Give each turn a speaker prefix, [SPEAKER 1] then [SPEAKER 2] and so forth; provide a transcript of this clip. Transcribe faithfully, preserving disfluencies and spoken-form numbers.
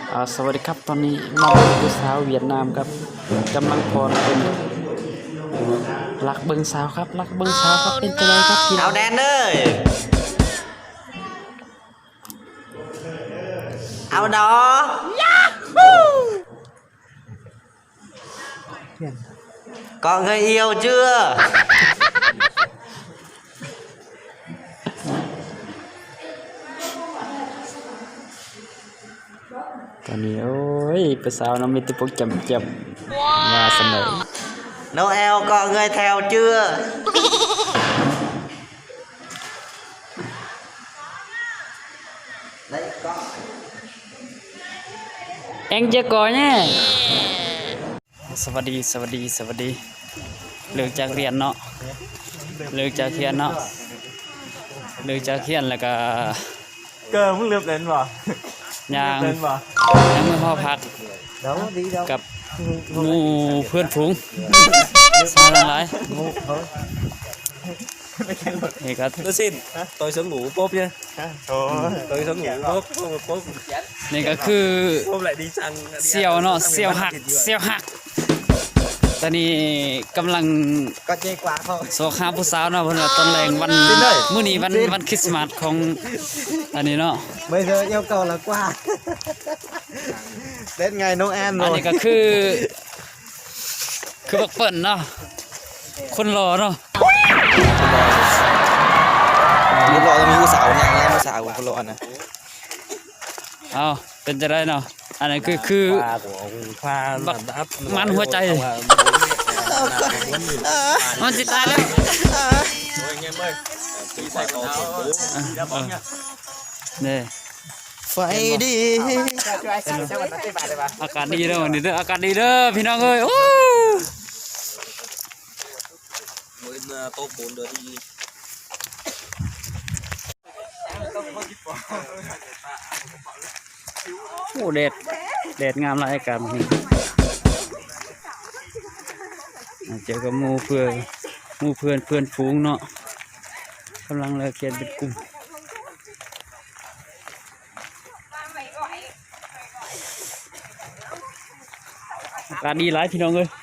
[SPEAKER 1] อ่าสวัสดีครับตอนนี้มาเป็นสาวเวียดนามครับกำลังพรเป็นรักเบิงสาวครับรักเบิงสาวครับเป็นจังไงครับพี่น้
[SPEAKER 2] เอา
[SPEAKER 1] อง
[SPEAKER 2] แดนเอ้ยเอาดอcó người yêu chưa
[SPEAKER 1] ตอนนี้โอ้ยเป็นสาวน้องมีแติพวกจำจำมาเสนอ
[SPEAKER 2] Noel có người theo chưa
[SPEAKER 1] เอ็งจะก่อนเนี่ยสวัสดีสวัสดีสวัสดีเลิกจากเรียนเนาะเลิกจากเรียนเนาะเลิกจากเรียนแล้วก็
[SPEAKER 3] เกิร์มึงเลือบเล่นป่ะ
[SPEAKER 1] ยาง
[SPEAKER 3] เล่นป่ะ
[SPEAKER 1] ยางมือพ่อพักกับหมูเพื่อนฝูงสายหลายนี่ก็
[SPEAKER 3] tôi xin tôi sẽ ngủ bốp nhé tôi sẽ ngủ bốp bốp bốp
[SPEAKER 1] นี่ก็คือ
[SPEAKER 3] bốp lại đi sang
[SPEAKER 1] เสี่ยวเนาะเสี่ยวหักเสี่ยวหักตอนนี้กำลัง
[SPEAKER 3] có chê quá không
[SPEAKER 1] โซคาผู้สาวเนาะเพิ่นว่าตอนแรงวันมื้อนี้วันวันคริสต์มาสของอันนี้เนาะ
[SPEAKER 3] bây giờ yêu cầu là qua đến ngày Noel
[SPEAKER 1] อัน
[SPEAKER 3] rồi
[SPEAKER 1] นี้ก็คือ คือบักเปิ้นเนาะคนรอเนาะ
[SPEAKER 3] รู้รอจะมีผู้สาวเนี่ยไงผู้สาวคนรอนะ
[SPEAKER 1] เอาเป็นจะได้เนาะอันนี้คือคือ
[SPEAKER 3] khoa
[SPEAKER 1] บักมันหัวใจมันสิตายแล้วนี่
[SPEAKER 3] phải đi
[SPEAKER 1] อากาศดีเด้อวันนี้เด้ออากาศดีเด้อพี่น้องเอ้ยโอ้
[SPEAKER 3] mới tô bốn đứa đi
[SPEAKER 1] โหแดดแดดงามหลายอากาศนี่เจอกับหมู่เพื่อนหมู่เพื่อนเพื่อนฝูงเนาะกำลังเลิกเรียนเป็นกลุ่มอากาศดีหลายพี่น้องเอ้ย